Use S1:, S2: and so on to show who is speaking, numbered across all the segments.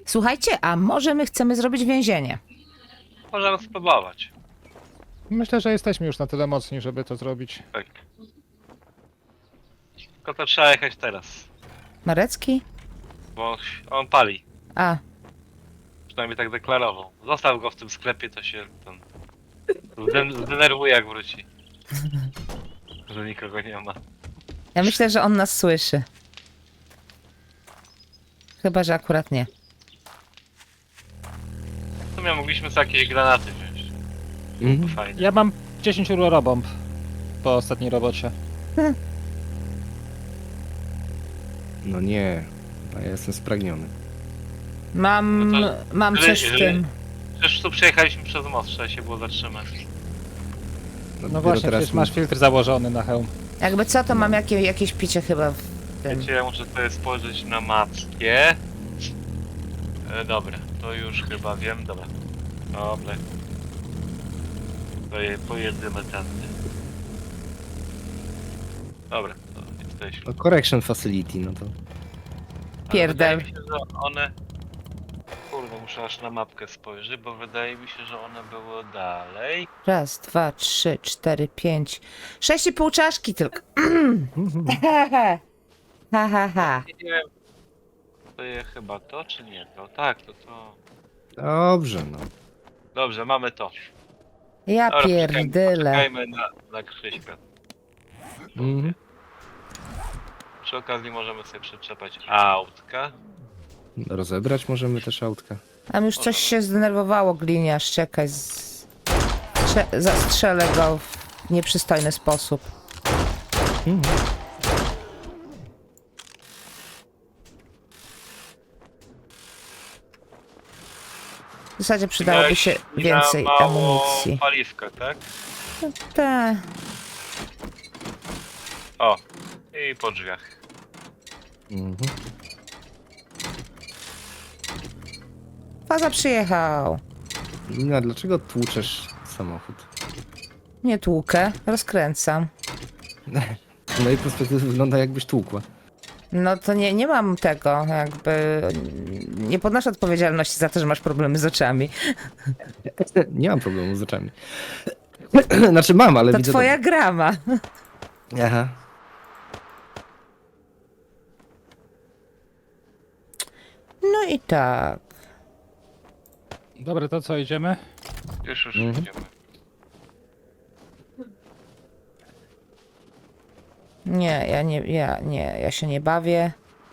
S1: Słuchajcie, a może my chcemy zrobić więzienie?
S2: Możemy spróbować.
S3: Myślę, że jesteśmy już na tyle mocni, żeby to zrobić.
S2: Tak. Tylko to trzeba jechać teraz.
S1: Marecki?
S2: Bo on pali.
S1: A,
S2: Przynajmniej tak deklarował. Zostaw go w tym sklepie, to się ten... zdenerwuje jak wróci. Że nikogo nie ma.
S1: ja myślę, że on nas słyszy. Chyba, że akurat nie.
S2: W sumie mogliśmy sobie jakieś granaty wziąć. Byłoby fajnie.
S3: Ja mam 10 rurobomb po ostatniej robocie.
S4: No nie, a ja jestem spragniony.
S1: Mam,
S2: No to-
S1: mam coś w
S2: jeżeli-
S1: tym.
S2: Przecież tu przejechaliśmy przez most, trzeba się było zatrzymać.
S3: No
S4: dopiero
S3: właśnie,
S4: teraz
S3: przecież masz filtr założony na hełm.
S1: Jakby co, to mam jakieś picie chyba w tym.
S2: Wiecie, ja muszę sobie spojrzeć na mapkę. Dobra, to już chyba wiem, dobra. Dobra. Pojedziemy tędy. Dobra, to jesteśmy.
S4: No correction facility, no to...
S2: Ale
S1: Pierdel.
S2: wydaje mi się, że one... Kurde, muszę aż na mapkę spojrzeć, bo wydaje mi się, że one były dalej.
S1: Raz, dwa, trzy, cztery, pięć. 6,5 czaszki tylko. Ha, ha, ha.
S2: Nie wiem. To jest chyba to, czy nie to? Tak, to.
S4: Dobrze, no.
S2: Dobrze, mamy to.
S1: Ja
S2: Dobra,
S1: pierdyle.
S2: Czekajmy na Krzyśka.
S4: Mhm.
S2: Przy okazji możemy sobie przyczepać autka.
S4: Rozebrać możemy też autka.
S1: Tam już coś się zdenerwowało, gliniarz. Czekaj. Zastrzelę go w nieprzystojny sposób. W zasadzie przydałoby się więcej
S2: mało
S1: amunicji.
S2: paliwka, tak?
S1: Tak.
S2: O, i po drzwiach.
S4: Mhm.
S1: Faza przyjechał.
S4: Lina, dlaczego tłuczesz samochód?
S1: Nie tłukę, rozkręcam.
S4: Z mojej perspektywy wygląda jakbyś tłukła.
S1: No to nie mam tego, jakby... Nie podnoszę odpowiedzialności za to, że masz problemy z oczami.
S4: Nie mam problemu z oczami. Znaczy mam, ale
S1: To
S4: widzę...
S1: twoja grama.
S4: dobrze. Aha.
S1: No i tak.
S3: Dobra, to co, idziemy?
S2: Już
S4: Mhm.
S2: idziemy.
S1: Ja się nie bawię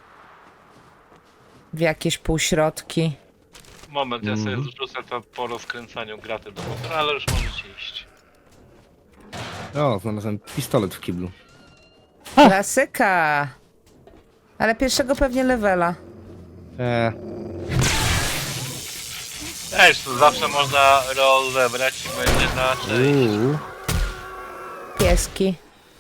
S1: w jakieś półśrodki.
S2: Moment, ja sobie
S4: Mhm.
S2: zrzucę to po rozkręcaniu graty do motora, ale już możecie iść.
S4: O, znalazłem pistolet w kiblu.
S1: Klasyka. Ale pierwszego pewnie levela.
S2: Ej, to zawsze można rozebrać i będzie na część.
S1: Pieski.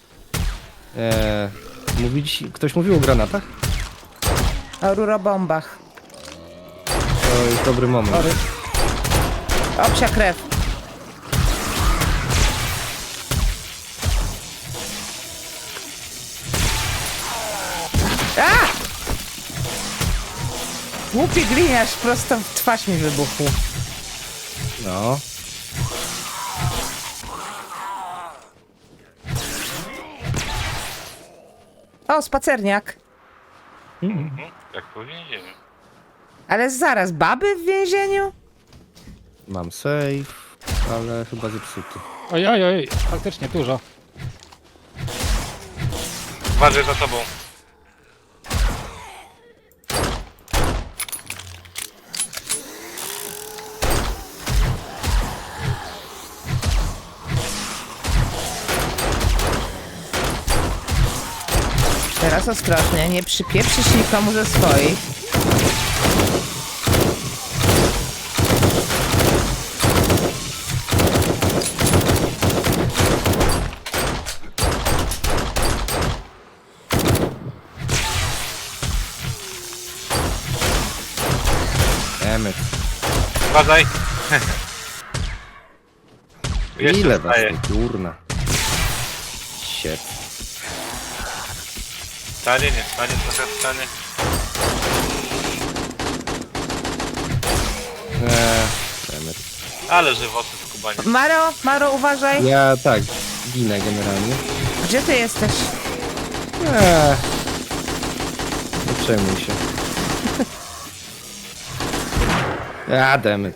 S4: Ktoś mówił o granatach?
S1: O rurobombach.
S4: To jest dobry moment.
S1: Ory. Obsia krew. A! Głupi gliniarz prosto w twarz mi wybuchł.
S4: No.
S1: O, spacerniak.
S2: Jak po więzieniu.
S1: Ale zaraz, baby w więzieniu?
S4: Mam save, ale chyba zepsuty.
S3: Oj, oj, oj, faktycznie dużo.
S2: Uważaj za tobą.
S1: Teraz ostrożnie, nie przypieprzysz nikomu ze swoich.
S4: Emet.
S2: Uważaj. Jeszcze
S4: Ile was
S2: wstaje.
S4: tu, kurna. Shit.
S2: Stanie, nie stanie, trochę stanie. Ale żywoty skubanie.
S1: Maro, uważaj.
S4: Ja tak, ginę generalnie.
S1: Gdzie ty jesteś?
S4: Nie przejmuj się. Dammit.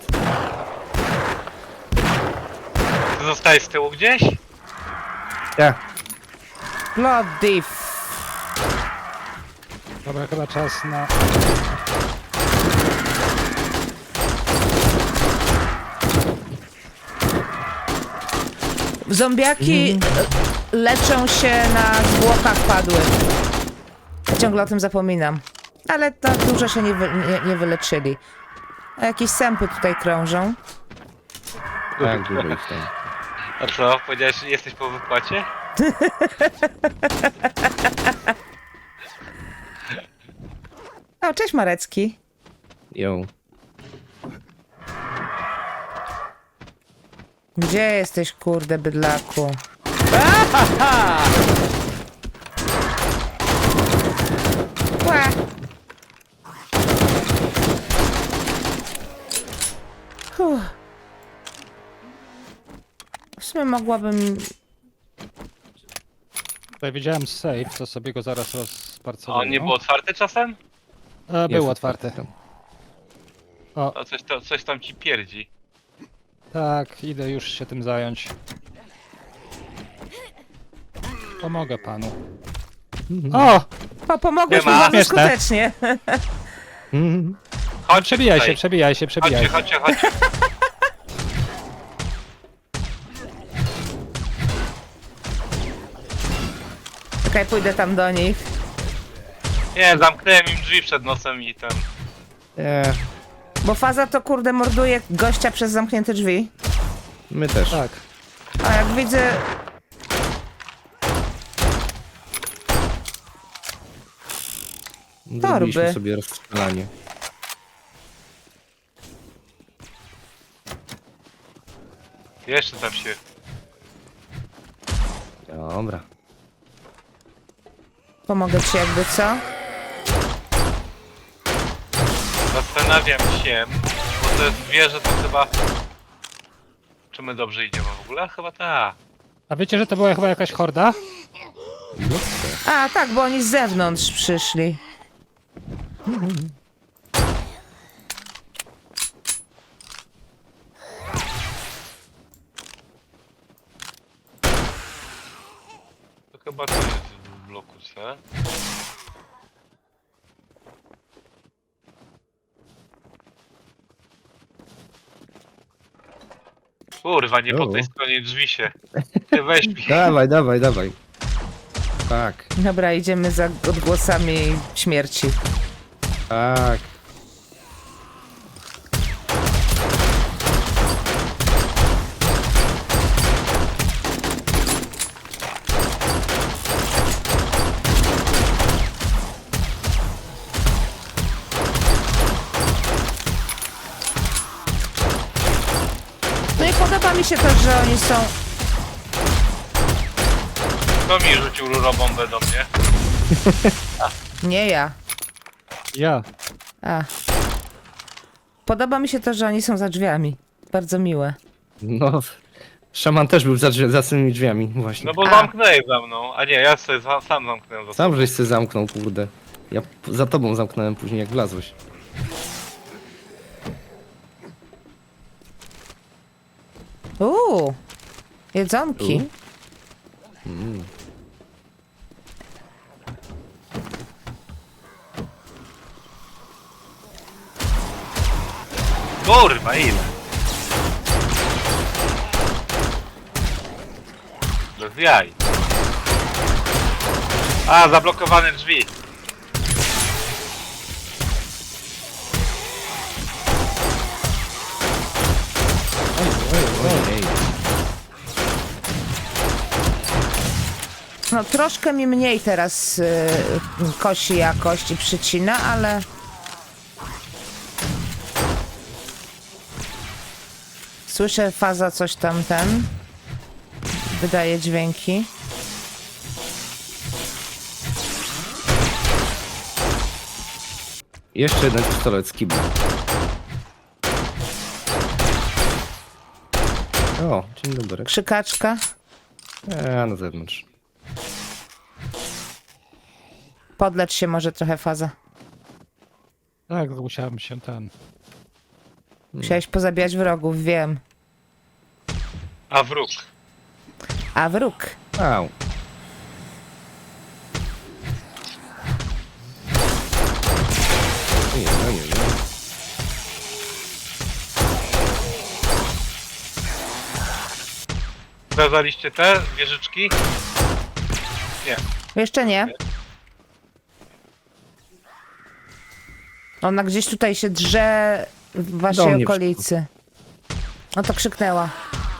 S2: Ty zostajesz z tyłu gdzieś?
S4: Ja.
S1: Bloody
S3: Dobra, chyba czas na...
S1: Zombiaki leczą się na zwłokach padłych. Ciągle o tym zapominam. Ale to dużo się nie wyleczyli. A jakieś sępy tutaj krążą.
S4: Tak, dużo ich tam.
S2: A co? Powiedziałeś, że jesteś po wypłacie?
S1: O, cześć Marecki.
S4: Ją.
S1: Gdzie jesteś, kurde, bydlaku? Ła. Uff. W sumie mogłabym...
S3: Tutaj widziałem safe, to sobie go zaraz
S2: A
S3: rozparcowałem.
S2: on nie był otwarty czasem?
S3: Był
S4: Jest
S3: otwarty.
S4: tam.
S3: O,
S2: A coś tam ci pierdzi.
S3: tak, idę już się tym zająć. Pomogę panu. O!
S1: O, pomogłeś mi
S2: Nie ma.
S1: bardzo
S3: Śmieszne.
S1: skutecznie.
S2: Chodź
S3: Przebijaj
S2: tutaj.
S3: się, przebijaj się, przebijaj
S2: Chodźcie,
S3: się.
S2: chodźcie, chodźcie.
S1: Czekaj, pójdę tam do nich.
S2: Nie, zamknąłem im drzwi przed nosem i ten...
S1: Bo faza to, kurde, morduje gościa przez zamknięte drzwi.
S4: My też.
S3: Tak.
S1: A jak widzę...
S4: Zrobiliśmy
S1: torby.
S4: sobie rozstrzelanie.
S2: Jeszcze tam się...
S4: Dobra.
S1: Pomogę ci jakby co?
S2: Zastanawiam się, bo to jest wieże, to chyba... Czy my dobrze idziemy w ogóle? Chyba tak.
S3: A wiecie, że to była chyba jakaś horda?
S1: A, tak, bo oni z zewnątrz przyszli.
S2: To chyba to jest w bloku C. Kurwa, nie po tej stronie drzwi się. Ty weź mi.
S4: Dawaj, dawaj, dawaj. Tak,
S1: Dobra, idziemy za odgłosami śmierci.
S4: tak.
S1: No i podoba mi się to, że oni są...
S2: Kto mi rzucił rurobombę do mnie?
S1: Nie ja.
S3: Ja.
S1: A. Podoba mi się to, że oni są za drzwiami. Bardzo miłe.
S4: No, szaman też był za tymi drzwiami, właśnie.
S2: No bo
S1: A.
S2: zamknęli za mną. A nie, ja sobie sam zamknąłem za sobą.
S4: Sam żeś się zamknął, kurde. Ja za tobą zamknąłem później, jak wlazłeś.
S1: Jedzonki.
S2: Kurwa, ile? Bez jaj. A, zablokowane drzwi.
S4: Ojej.
S1: No troszkę mi mniej teraz kosi jakość i przycina, ale... Słyszę faza coś tam wydaje dźwięki.
S4: Jeszcze jeden pistolet z kibla. O, dzień dobry.
S1: Krzykaczka.
S4: Na zewnątrz.
S1: Podlecz się może trochę, Faza.
S3: Tak, musiałem się
S1: Musiałeś pozabijać wrogów, wiem.
S2: A wróg.
S1: A wróg.
S4: Au. Nie.
S2: Sprawdzaliście te wieżyczki? Nie.
S1: Jeszcze nie. Ona gdzieś tutaj się drze w
S4: Do
S1: waszej
S4: mnie
S1: okolicy. No to krzyknęła.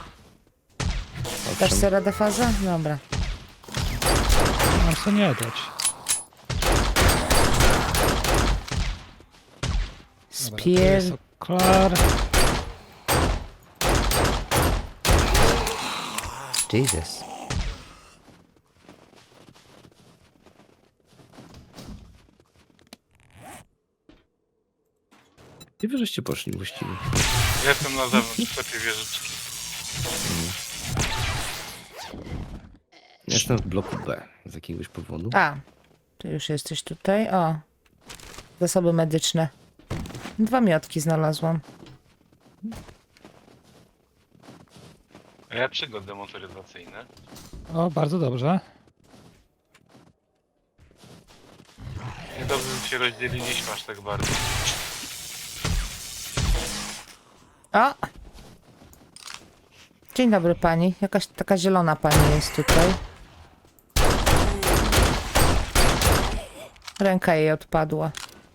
S1: Dasz sobie radę, Faza? Dobra.
S3: Mam co nie dać. Dobra, tu
S1: Spier...
S3: jest okular.
S1: Jesus.
S4: Gdzie wy żeście poszli właściwie?
S2: Ja jestem na zewnątrz w sklepie wieżyczki.
S4: Jestem w bloku B z jakiegoś powodu.
S1: A, ty już jesteś tutaj. O, zasoby medyczne. 2 miotki znalazłam.
S2: A ja przygody motoryzacyjne.
S3: O, bardzo dobrze.
S2: Niedobrze, że się rozdzieliliśmy aż tak bardzo.
S1: O! Dzień dobry pani. Jakaś taka zielona pani jest tutaj. Ręka jej odpadła.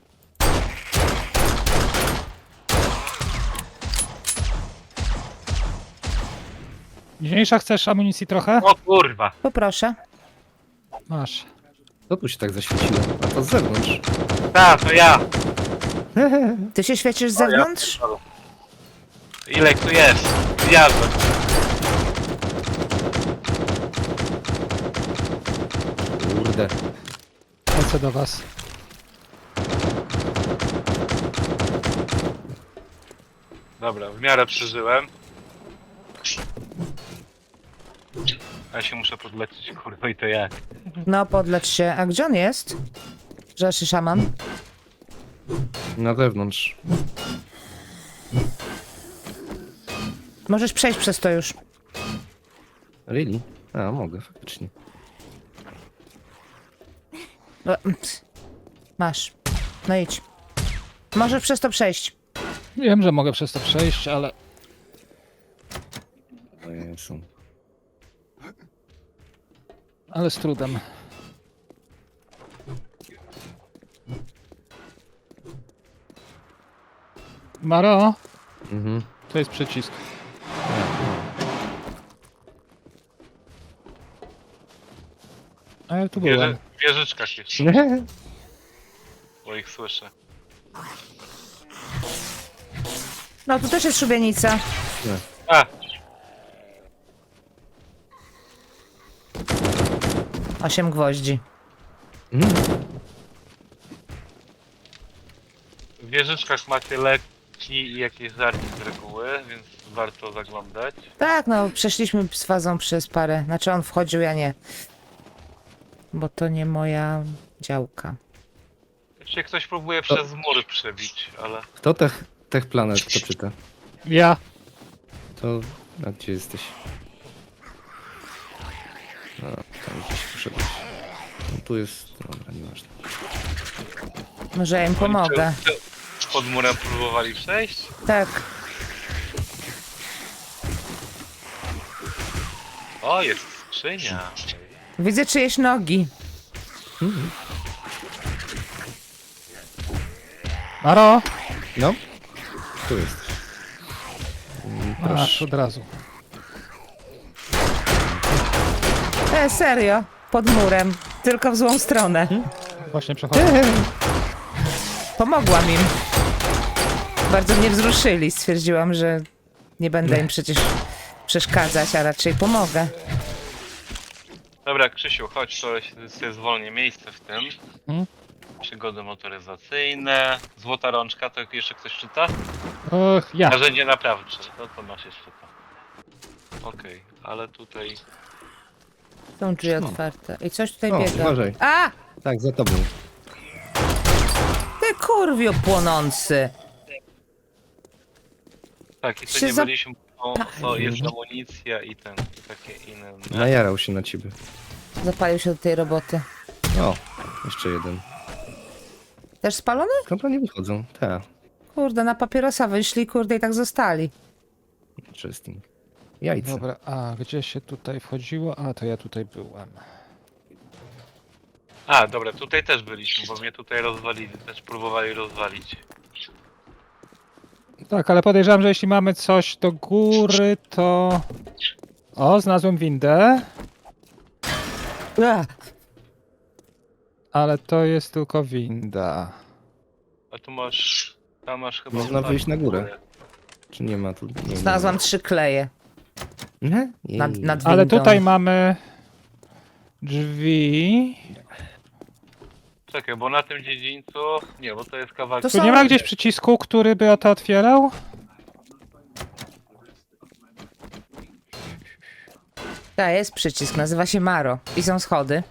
S3: Mniejsza, chcesz amunicji trochę?
S2: O kurwa!
S1: Poproszę.
S3: Masz.
S4: Co tu się tak zaświeciło? A to z zewnątrz.
S2: Ta, to ja!
S1: Ty się świecisz z zewnątrz?
S2: Ile ich tu jest? Zjadłem.
S4: Kurde.
S3: Lecę do was.
S2: Dobra, w miarę przeżyłem. Ja się muszę podleczyć, kurwa, i to jak?
S1: No, podlecz się. A gdzie on jest? Rzeszy szaman.
S4: Na zewnątrz.
S1: Możesz przejść przez to już.
S4: Really? A, mogę, faktycznie.
S1: No, masz. No idź. Możesz przez to przejść.
S3: Wiem, że mogę przez to przejść, ale
S4: O Jezu.
S3: z trudem. Maro,
S4: Mhm.
S3: to jest przycisk. A ja tu byłem.
S2: W wieżyczkach jest, bo ich słyszę.
S1: No, tu też jest szubienica.
S2: A!
S1: 8 gwoździ.
S2: W wieżyczkach macie leki i jakieś żarki z reguły, więc warto zaglądać.
S1: Tak, no, przeszliśmy z Fazą przez parę. Znaczy on wchodził, ja nie. Bo to nie moja działka.
S2: Się ktoś próbuje przez mur przebić, ale...
S4: Kto Tech Planet, kto czyta?
S3: Ja.
S4: To... A gdzie jesteś? A, tam gdzieś poszedłeś. No, tu jest... Dobra, nieważne.
S1: Może ja im pomogę.
S2: Pod murem próbowali przejść?
S1: Tak.
S2: O, jest skrzynia.
S1: Widzę czyjeś nogi.
S3: Maro!
S4: No? Tu jest.
S3: Masz od razu.
S1: Serio. Pod murem. Tylko w złą stronę.
S3: Właśnie przechodzę.
S1: Pomogłam im. Bardzo mnie wzruszyli. Stwierdziłam, że nie będę im przecież przeszkadzać, a raczej pomogę.
S2: Dobra, Krzysiu, chodź, to sobie zwolnię miejsce w tym.
S3: Mhm.
S2: Przygody motoryzacyjne. Złota rączka, to jeszcze ktoś czyta?
S3: Och, ja.
S2: Narzędzie naprawcze, to masz jeszcze to. Okej, ale tutaj...
S1: Są drzwi
S4: No.
S1: otwarte. I coś tutaj
S4: O,
S1: biega.
S4: uważaj.
S1: A!
S4: Tak, za tobą.
S1: Ty kurwio płonący!
S2: Tak, i tu
S1: Się
S2: nie
S1: za-
S2: byliśmy, bo jest amunicja i ten, i takie inne...
S4: Najarał się na ciebie.
S1: Zapalił się do tej roboty.
S4: O, jeszcze jeden.
S1: Też spalony?
S4: Skąd oni wychodzą? Tak,
S1: Kurde, na papierosa wyszli, kurde, i tak zostali.
S4: interesting. Jajce.
S3: Dobra, a gdzie się tutaj wchodziło? A, to ja tutaj byłem.
S2: A, dobra, tutaj też byliśmy, bo mnie tutaj rozwalili, też próbowali rozwalić.
S3: Tak, ale podejrzewam, że jeśli mamy coś do góry, to... O, znalazłem windę, ale to jest tylko winda.
S2: A tu masz... Tam masz chyba...
S4: Można
S2: tak,
S4: wyjść na górę. Czy nie ma tu? Nie,
S1: Znalazłam 3 kleje
S4: Nie?
S1: nad windą.
S3: Ale tutaj mamy drzwi.
S2: Czekaj, bo na tym dziedzińcu... Nie, bo to jest kawałek...
S1: To
S3: Tu
S1: są-
S3: nie ma gdzieś przycisku, który by to otwierał?
S1: Tak, jest przycisk, nazywa się Maro. I są schody.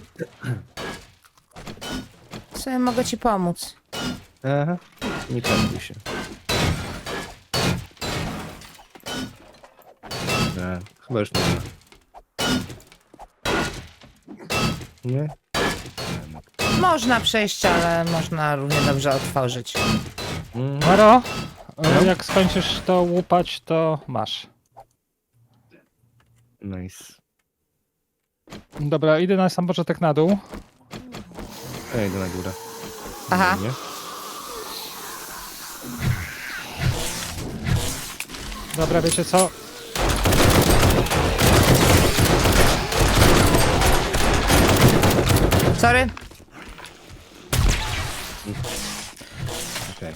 S1: Co ja mogę ci pomóc?
S4: Aha, nie panuj się. Chyba już nie ma. Nie?
S1: Można przejść, ale można równie dobrze otworzyć.
S3: Maro,
S4: No.
S3: jak skończysz to łupać, to masz.
S4: Nice.
S3: Dobra, idę na sam początek na dół.
S4: Ja idę na górę.
S1: Aha.
S4: Nie?
S3: Dobra, wiecie co?
S1: Sorry.
S4: Okej.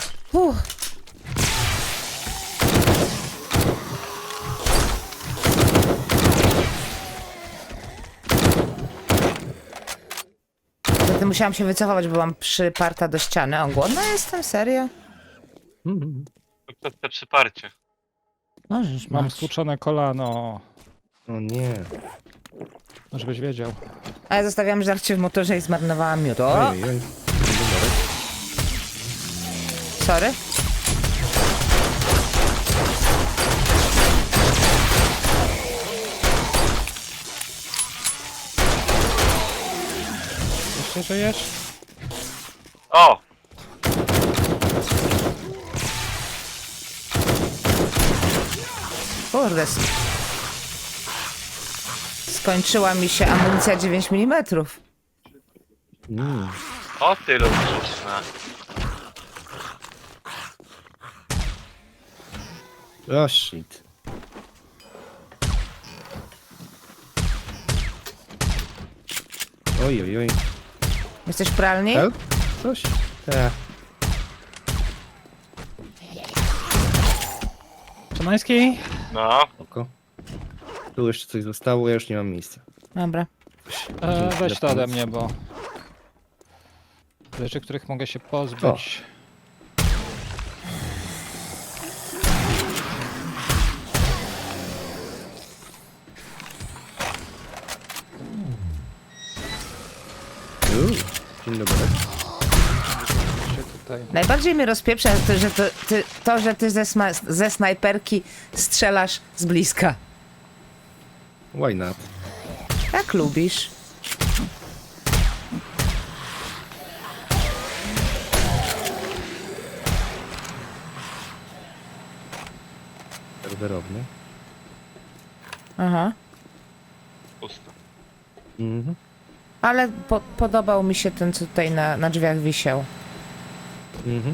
S1: Zatem musiałam się wycofać, bo byłam przyparta do ściany. O, głodna jestem? Serio?
S4: Mhm.
S2: To przez te przyparcie.
S1: Możesz,
S3: Mam
S1: masz.
S3: stłuczone kolano.
S4: O nie.
S3: Żebyś wiedział.
S1: A ja zostawiłam żarcie w motorze i zmarnowałam miód. O,
S4: Ojej, oj.
S1: sorry.
S3: Jeszcze żyjesz?
S2: O!
S1: Kurde. Skończyła mi się amunicja 9 mm.
S2: O ty rozrzucna.
S4: O shit. Oj, oj, oj.
S1: Jesteś w pralni?
S4: Help? Coś? Tak.
S3: Szymański?
S2: No,
S4: Oko. Tu jeszcze coś zostało, ja już nie mam miejsca.
S1: Dobra.
S3: Weź to ode mnie, bo... Rzeczy, których mogę się pozbyć.
S4: Dzień dobry.
S3: Się tutaj...
S1: Najbardziej mnie rozpieprza to, że ty ze snajperki strzelasz z bliska.
S4: Why not?
S1: Jak lubisz.
S4: Serwerowny.
S1: Aha.
S2: pusto.
S4: Mhm.
S1: Ale podobał mi się ten, co tutaj na drzwiach wisiał.
S4: Mhm.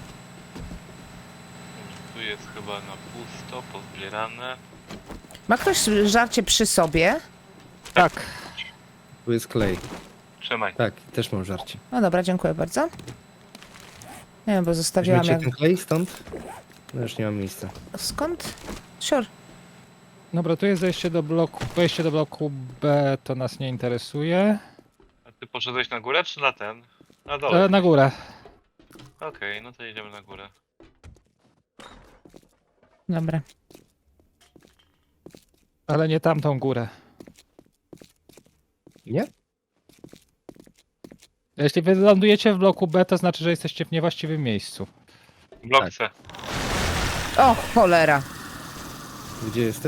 S2: Tu jest chyba na pusto, pozbierane.
S1: Ma ktoś żarcie przy sobie?
S3: Tak.
S4: Tu jest klej.
S2: Trzymaj.
S4: Tak, też mam żarcie.
S1: No dobra, dziękuję bardzo. Nie wiem, bo zostawiłam
S4: Weźmiecie
S1: jak...
S4: ten klej stąd? No już nie mam miejsca.
S1: Skąd? Sure.
S3: Dobra, tu jest zejście do bloku. Wejście do bloku B to nas nie interesuje.
S2: A ty poszedłeś na górę czy na ten? Na dole.
S3: Na górę.
S2: Okej, no to jedziemy na górę.
S1: Dobra.
S3: Ale nie tamtą górę.
S4: Nie?
S3: Jeśli wy lądujecie w bloku B, to znaczy, że jesteście w niewłaściwym miejscu.
S2: Blok
S4: Tak.
S2: C.
S1: O, cholera.
S4: Gdzie jesteś?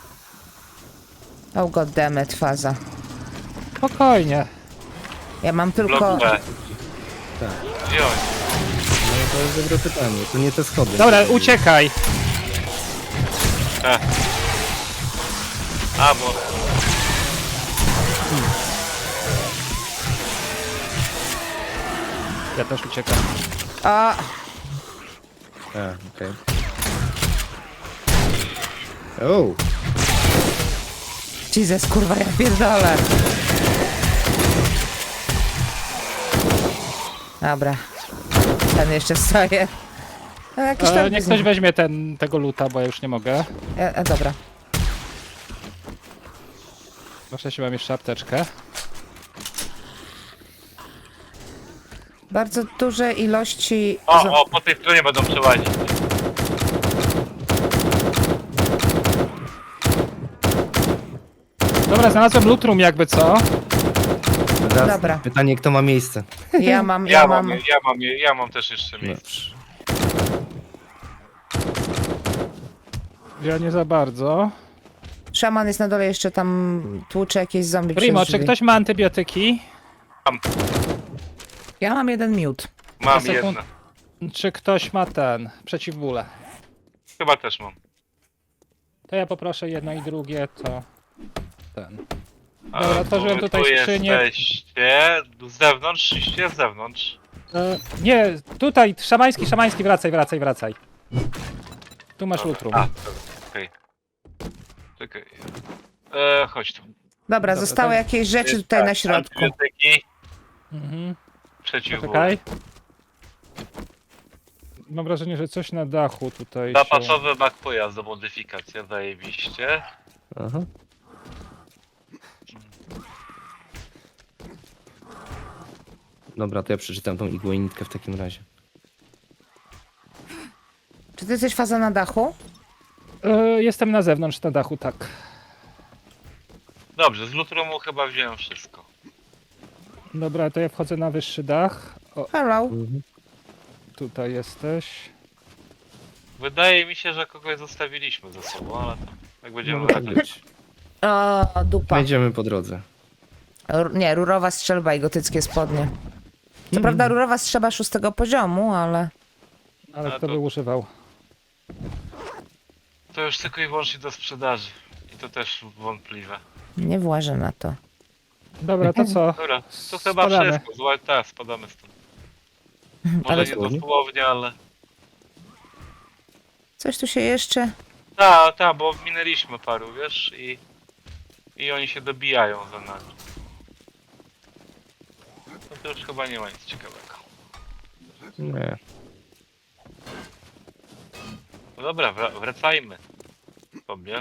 S1: Oh goddammit, faza.
S3: Spokojnie.
S1: Ja mam tylko...
S2: Blok B.
S4: Tak.
S2: Gdzie oni?
S4: No to jest dobre pytanie. To nie te schody.
S3: Dobra, uciekaj.
S2: C. A, bo...
S3: Ja też uciekam.
S1: A,
S4: Okej. O!
S1: Jesus, kurwa, ja pierdolę. Dobra. Ten jeszcze stoję. A, jakiś tam...
S3: Niech ktoś weźmie tego luta, bo ja już nie mogę.
S1: Dobra.
S3: Proszę, się mam jeszcze apteczkę.
S1: Bardzo duże ilości...
S2: O, po tej stronie będą przełazić.
S3: Dobra, znalazłem loot jakby co.
S4: Teraz
S1: Dobra.
S4: pytanie, kto ma miejsce?
S1: Ja mam...
S2: Ja mam też jeszcze miejsce.
S4: Dobrze.
S3: Ja nie za bardzo.
S1: Szaman jest na dole, jeszcze tam tłucze jakieś zombie
S3: Primo,
S1: przez
S3: czy
S1: drzwi.
S3: ktoś ma antybiotyki?
S1: Ja mam jeden miód.
S2: Mam
S3: Za sekund-
S2: jedno.
S3: Czy ktoś ma przeciwbóle?
S2: Chyba też mam.
S3: To ja poproszę jedno i drugie, to ten.
S2: A,
S3: Dobra, otworzyłem
S2: bo
S3: tutaj
S2: tu
S3: skrzynię.
S2: jesteście z zewnątrz, iście z zewnątrz.
S3: Nie, tutaj, szamański, wracaj. Tu masz lutrum.
S2: A, dobra, okej. Czekaj. Chodź tu.
S1: Dobra,
S3: Dobra,
S1: zostały
S3: to-
S1: jakieś rzeczy
S2: Jest
S1: tutaj
S2: tak,
S1: na środku.
S2: Antybiotyki,
S3: Mhm.
S2: przeciwbóle.
S3: Czekaj. Mam wrażenie, że coś na dachu tutaj się...
S2: Zapasowy mak pojazdu, modyfikacja, zajebiście.
S4: Aha. Dobra, to ja przeczytam tą igłę w takim razie.
S1: Czy ty jesteś faza na dachu?
S3: Jestem na zewnątrz, na dachu, tak.
S2: Dobrze, z Lutrumu chyba wziąłem wszystko.
S3: Dobra, to ja wchodzę na wyższy dach. O,
S1: Hello.
S3: tutaj jesteś.
S2: Wydaje mi się, że kogoś zostawiliśmy ze sobą, ale to jak będziemy
S4: Może tak
S2: wracać.
S4: być.
S1: O, dupa.
S4: Będziemy po drodze.
S1: Nie, rurowa strzelba i gotyckie spodnie. Co prawda rurowa strzelba 6 poziomu, ale...
S3: Ale
S2: A
S3: kto
S2: to-
S3: by używał?
S2: To już tylko i wyłącznie do sprzedaży. I to też wątpliwe.
S1: Nie włażę na to.
S3: Dobra, to co?
S2: Dobra, to chyba
S3: Spadamy.
S2: wszystko. Zła, tak, spadamy stąd. Może
S1: Ale
S2: nie
S4: dosłownie?
S2: dosłownie, ale...
S1: Coś tu się jeszcze...
S2: Tak, bo minęliśmy paru, wiesz, i oni się dobijają za nami. No to już chyba nie ma nic ciekawego.
S4: Nie.
S2: No dobra, wracajmy sobie.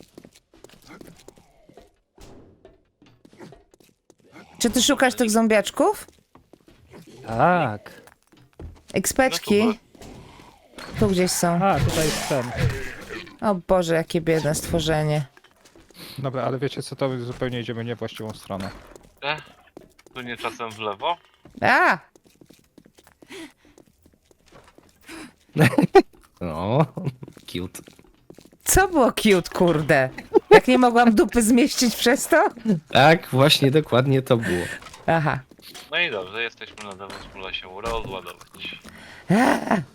S1: Czy ty szukasz tych zombiaczków?
S3: Tak.
S1: Ekspeczki?
S2: No
S1: Tu gdzieś są.
S3: A, tutaj jest ten.
S1: O Boże, jakie biedne stworzenie.
S3: Dobra, ale wiecie co, to zupełnie idziemy nie właściwą stronę.
S2: Tu nie czasem w lewo.
S1: A!
S4: No, cute.
S1: Co było cute, kurde? Jak nie mogłam dupy zmieścić przez to?
S4: Tak, właśnie dokładnie to było.
S1: Aha.
S2: No i dobrze, jesteśmy na zewnątrz, można się rozładować.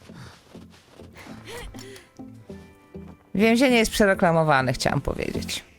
S1: Więzienie jest przereklamowane, chciałam powiedzieć.